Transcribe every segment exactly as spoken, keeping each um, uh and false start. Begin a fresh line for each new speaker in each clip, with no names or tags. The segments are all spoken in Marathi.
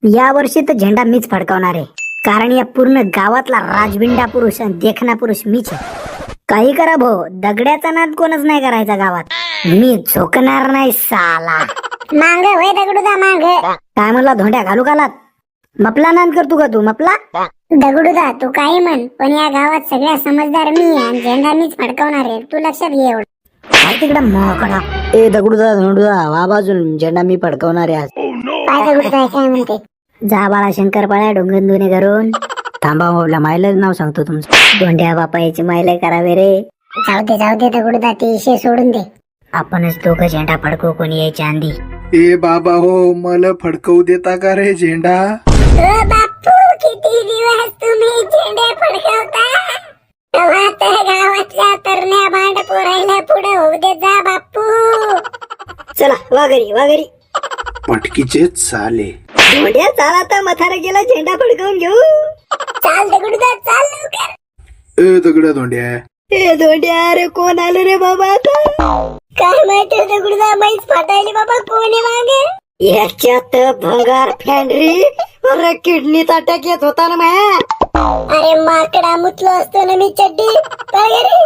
या वर्षी तर झेंडा मीच फडकावणार आहे, कारण या पूर्ण गावातला राजबिंडा पुरुष आणि देखना पुरुष मीच आहे. काही करा भाऊ, दगड्याचा नाद कोणच नाही करायचा गावात. मी झोकणार नाही साला.
मांग वय दगडूदा मांग.
काय म्हणला धोंड्या, घालू घालात? मपला नाद करतो का तू? मपला
दगडूदा तू काही म्हण, पण या गावात सगळ्यात समजदार मी आहे आणि झेंडा मीच फडकावणार आहे. तू लक्षात घे एवढं.
काय तिकडे मोकळा. ए दगडूदा धोंडूदा वा बाजून, झेंडा मी फडकावणार आहे आज.
काय दगडूदा काय म्हणते?
जा बाळा शंकरपाळ्या डोंगन दुने करून. थांबा भाऊला मायला नाव सांगतो तुमचं. धोंड्या बापा याची मायला करावे रे.
जाऊ दे जाऊ दे दगडूदा, ते विषय सोडून दे.
आपणच दोघं झेंडा फडकू, कोणी यायची आंधी.
ए बाबा हो, मला फडकवू देता का रे झेंडा?
ओ बापू, किती दिवस तुम्ही झेंडे फडकवता? तेव्हा तर गावातल्या तरण्या भांड पोरायला पुढे होऊ दे जा बापू.
चला वा घरी वा घरी.
पटकीचे चाले.
धोंड्या चाला तर मथारा गेला, झेंडा फडकवून घेऊ.
चाल दगडूदा चाल लवकर.
ए दगड्या धोंड्या.
ए धोंड्या, अरे कोण आलं रे बाबा आता?
काय माहिती दगडूदा, मैच फाटायली बाबा. कोण आहे मागे?
याच्यात भंगार फॅन्ड्री. अरे किडनीत अटॅक येत होता ना माया.
अरे माकडा, मुतलो असतो ना मी चड्डी. काय रे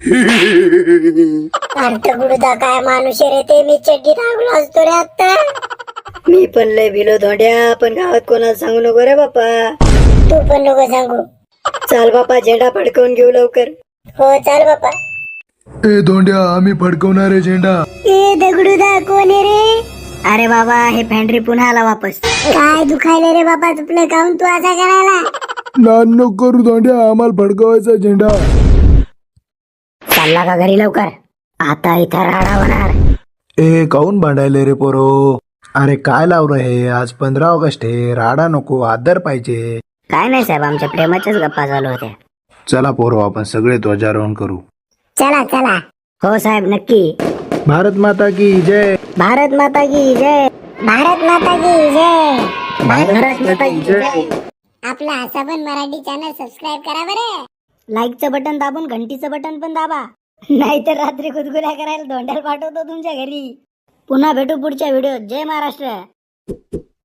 अरे दगडूदा, काय माणूस आहे रे ते. मी चड्डी टाकलो असतो रे आता.
मी पण लय भिलो धोंड्या, पण गावात कोणाला सांगू नको रे बापा.
तू पण नको सांगू.
चाल बापा, झेंडा फडकवून घेऊ लवकर.
हो चाल बापा.
ए धोंड्या, आम्ही फडकवणार आहे झेंडा.
ए दगडूदा कोण आहे रे?
अरे बाबा, हे फॅन्ड्री पुन्हा आला वापस.
काय दुखायले रे बाबा तुपलं, काऊन तू असा करायला?
नान नको करू धोंड्या, आम्हाला फडकवायचा झेंडा.
चालला का घरी लवकर? आता इथं राडा होणार.
ए काऊन भांडायले रे पोरो? अरे काय लावलं हे? आज पंधरा ऑगस्ट आहे, राडा नको, आदर पाहिजे.
काय नाही साहेब, आमच्या प्रेमाच्याच गप्पा चालू होत्या.
चला पोरो, आपण सगळे ध्वजारोहण करू.
चला चला.
हो साहेब, नक्की.
भारत माता की जय.
भारत माता की जय.
भारत माता की जय.
भारत माता की जय.
आपला असा पण मराठी चॅनल सबस्क्राईब करा बरे.
लाईकचं बटन दाबून घंटीचं बटन पण दाबा, नाहीतर रात्री गुदगुल्या करायला धोंड्याला पाठवतो तुमच्या घरी. पुन्हा भेटू पुढच्या व्हिडिओत. जय महाराष्ट्र.